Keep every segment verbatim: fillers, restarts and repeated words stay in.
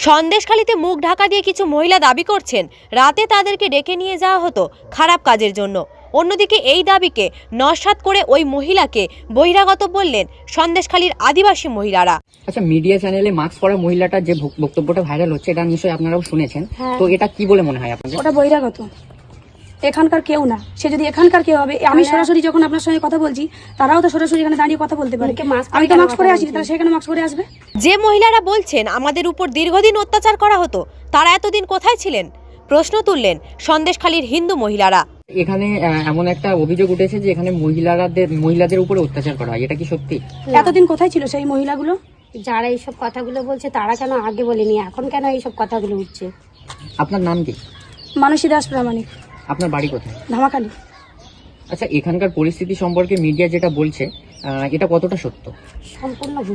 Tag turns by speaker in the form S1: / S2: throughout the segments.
S1: সন্দেশখালীতে মুখ ঢাকা দিয়ে কিছু মহিলা দাবি করছেন রাতে তাদেরকে ডেকে নিয়ে যাওয়া হতো খারাপ কাজের জন্য। অন্যদিকে এই দাবিকে নস্যাৎ করে ওই মহিলাকে বহিরাগত বললেন সন্দেশখালীর আদিবাসী মহিলারা।
S2: আচ্ছা, মিডিয়া চ্যানেলে মাস্ক পরা মহিলাটা যে বক্তব্যটা ভাইরাল হচ্ছে এটা নিশ্চয়ই আপনারাও শুনেছেন।
S3: হ্যাঁ।
S2: তো এটা কি বলে মনে হয় আপনাদের?
S3: ওটা বহিরাগত, এখানকার কেউ না। সে যদি এখানকার কেউ হবে, আমি সরাসরি যখন আপনার সঙ্গে কথা বলছি তারাও তো সরাসরি এখানে দাঁড়িয়ে কথা বলতে পারে। আমি তো মাস্ক পরে আসি, তারা সেখানে মাস্ক পরে আসবে।
S1: যে মহিলারা বলছেন আমাদের উপর দীর্ঘদিন অত্যাচার করা হতো, তারা এতদিন কোথায় ছিলেন? প্রশ্ন তুললেন সন্দেশখালীর হিন্দু মহিলারা।
S2: এখানে এমন একটা অভিযোগ উঠেছে যে এখানে মহিলাদের মহিলাদের উপরে অত্যাচার করা হয়, এটা কি সত্যি?
S3: এতদিন কোথায় ছিল সেই মহিলাগুলো?
S4: যারা এইসব কথাগুলো বলছে তারা কেন আগে বলেনি, এখন কেন এইসব কথাগুলো উঠছে?
S2: আপনার নাম কি?
S3: মানসী দাস প্রামাণিক।
S2: আপনার বাড়ি কোথায়?
S3: ধামাখালি।
S2: আচ্ছা, এখানকার পরিস্থিতি সম্পর্কে মিডিয়া যেটা বলছে আহ, এটা কতটা সত্য?
S4: সম্পূর্ণ ভুল।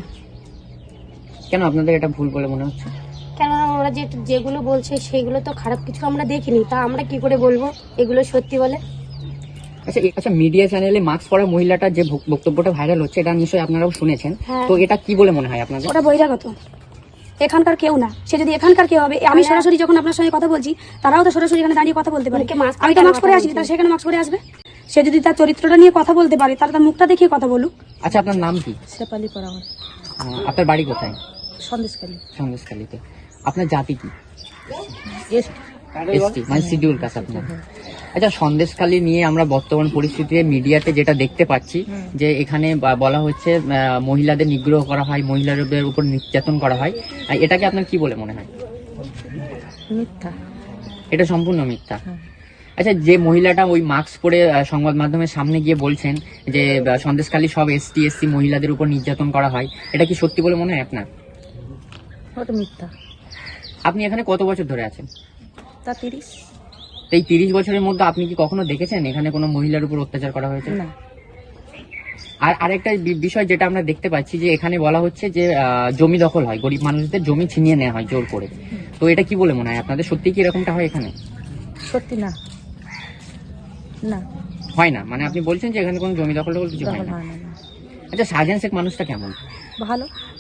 S2: কেন আপনাদের এটা ভুল বলে মনে হচ্ছে?
S4: কেননা ওরা যে যেগুলো বলছে সেগুলো তো খারাপ কিছু আমরা দেখিনি, তা আমরা কি করে বলবো এগুলো সত্যি বলে?
S2: আচ্ছা আচ্ছা মিডিয়া চ্যানেলে মাস্ক পরা মহিলাটা যে বক্তব্যটা ভাইরাল হচ্ছে এটা নিশ্চয়ই আপনারাও শুনেছেন।
S4: হ্যাঁ।
S2: তো এটা কি বলে মনে হয় আপনাদের?
S3: ওটা বহিরাগত, এখানকার কেউ না। সে যদি এখানকার কেউ হবে, আমি সরাসরি যখন আপনার সঙ্গে কথা বলছি তারাও তো সরাসরি এখানে দাঁড়িয়ে কথা বলতে পারে। আমি তো মাস্ক পরে আসি, তারা সেখানে মাস্ক পরে আসবে। সে যদি তার চরিত্রটা নিয়ে কথা বলতে পারে তাহলে তার মুখটা দেখিয়ে কথা বলুক।
S2: আচ্ছা, আপনার নাম কি?
S5: শেফালি পরামার,
S2: আহ, আপনার বাড়ি কোথায়?
S5: সন্দেশখালী।
S2: সন্দেশখালীতে। আপনার জাতি কি?
S5: এসটি।
S2: এসটি মানে শিডিউল কাস্ট আপনার। আচ্ছা, সন্দেশখালী নিয়ে আমরা বর্তমান পরিস্থিতিতে মিডিয়াতে যেটা দেখতে পাচ্ছি যে এখানে বা- বলা হচ্ছে আহ, মহিলাদের নিগ্রহ করা হয়, মহিলাদের উপর নির্যাতন করা হয়, আর এটাকে আপনার কি বলে মনে হয়?
S5: মিথ্যা।
S2: এটা সম্পূর্ণ মিথ্যা। আচ্ছা, যে মহিলাটা ওই মাস্ক পরে আহ, সংবাদ মাধ্যমের সামনে গিয়ে বলছেন যে আহ, সন্দেশখালী সব এসটি এসসি মহিলাদের উপর নির্যাতন করা হয়, এটা কি সত্যি বলে মনে হয় আপনার?
S5: ওটা মিথ্যা।
S2: আপনি এখানে কত বছর ধরে আছেন?
S5: তা তিরিশ।
S2: এই তিরিশ বছরের মধ্যে আপনি কি কখনো দেখেছেন এখানে কোনো মহিলার উপর অত্যাচার করা হয়েছে?
S5: না।
S2: আর আরেকটা বি- বিষয় যেটা আমরা দেখতে পাচ্ছি যে এখানে বলা হচ্ছে যে আহ, জমি দখল হয়, গরিব মানুষদের জমি ছিনিয়ে নেওয়া হয় জোর করে। তো এটা কি বলে মনে হয় আপনাদের? সত্যি কি এরকমটা হয় এখানে?
S5: সত্যি না। না,
S2: হয় না মানে আপনি বলছেন যে এখানে কোনো জমি দখল টখল কিছু হয়
S5: দখল
S2: না।
S5: হয় না। না।
S2: আচ্ছা, শাহজাহান শেখ মানুষটা কেমন?
S5: ভালো।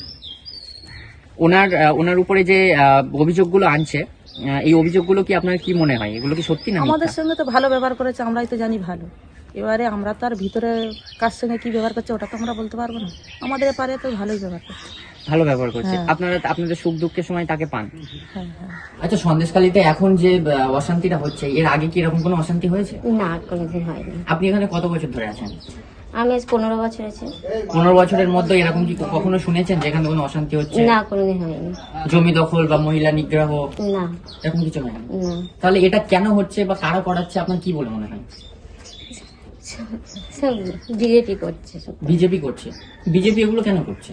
S2: ওনার আহ, ওনার উপরে যে আহ, অভিযোগগুলো আনছে, আহ, এই অভিযোগগুলো কি আপনার কি মনে হয় এগুলো কি সত্যি না
S5: আমাদের
S2: মিথ্যা?
S5: সঙ্গে তো ভালো ব্যবহার করেছে, আমরাই তো জানি ভালো। এবারে আমরা তো আর ভিতরে কার সঙ্গে কি ব্যবহার করছে ওটা তো আমরা বলতে পারবো না। আমাদের এপারে তো ভালোই ব্যবহার করছে।
S2: ভালো ব্যবহার করছে।
S5: হ্যাঁ।
S2: আপনারা আপনাদের সুখ দুঃখের সময় তাকে পান।
S5: হ্যাঁ হ্যাঁ।
S2: আচ্ছা, সন্দেশখালীতে এখন যে আহ, অশান্তিটা হচ্ছে, এর আগে কি এরকম কোনো অশান্তি হয়েছে?
S4: না, কোনোদিন হয়নি।
S2: আপনি এখানে কত বছর ধরে আছেন?
S4: আমি আজ পনেরো বছর আছে।
S2: পনেরো বছরের মধ্যে এরকম কি কখনো শুনেছেন যেখানে কোনো অশান্তি হচ্ছে?
S4: না, কোনোদিন হয়নি।
S2: জমি দখল বা মহিলা নিগ্রহ
S4: না।
S2: এরকম কিছু হয় না?
S4: না।
S2: তাহলে এটা কেন হচ্ছে বা কারা করাচ্ছে আপনার কি বলে মনে হয়?
S4: সব বিজেপি করছে সব।
S2: বিজেপি করছে। বিজেপি এগুলো কেন করছে?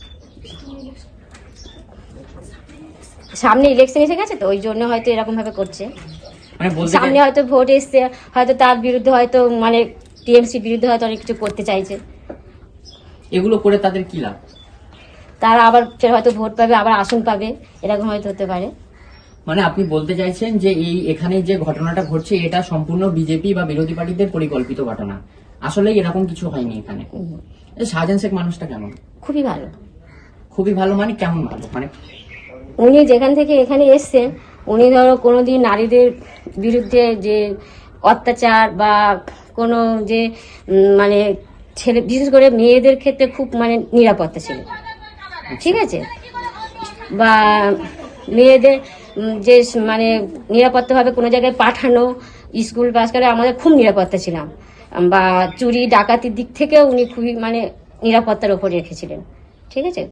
S4: সামনে ইলেকশন এসে গেছে তো ওই জন্য হয়তো এরকম ভাবে করছে।
S2: মানে বলতে
S4: সামনে
S2: চাই-
S4: হয়তো ভোট এসছে, হয়তো তার বিরুদ্ধে হয়তো মানে টিএমসি বিরুদ্ধে হয়তো অনেক কিছু করতে চাইছে।
S2: এগুলো করে তাদের কি লাভ?
S4: তারা আবার ফের হয়তো ভোট পাবে, আবার আসন পাবে, এরকম হয়তো হতে পারে।
S2: মানে আপনি বলতে চাইছেন যে এই এখানে যে ঘটনাটা ঘটছে এটা সম্পূর্ণ বিজেপি বা বিরোধী পার্টিদের পরিকল্পিত ঘটনা, আসলে এরকম কিছু হয়নি এখানে। এই শাহজাহান শেখ মানুষটা কেমন?
S4: খুবই ভালো।
S2: খুবই ভালো মানে কেমন ভালো? মানে
S4: উনি যেখান থেকে এখানে এসছেন, উনি ধরো কোনোদিন নারীদের বিরুদ্ধে যে অত্যাচার বা কোনো যে উম, মানে ছেলে বিশেষ করে মেয়েদের ক্ষেত্রে খুব মানে নিরাপত্তা ছিল, ঠিক আছে? বা মেয়েদের উম, যে স- মানে নিরাপত্তাভাবে কোনো জায়গায় পাঠানো, স্কুল পাস করে আমাদের খুব নিরাপত্তা ছিলাম। বা চুরি ডাকাতির দিক থেকেও উনি খুবই মানে নিরাপত্তার ওপর রেখেছিলেন, ঠিক আছে?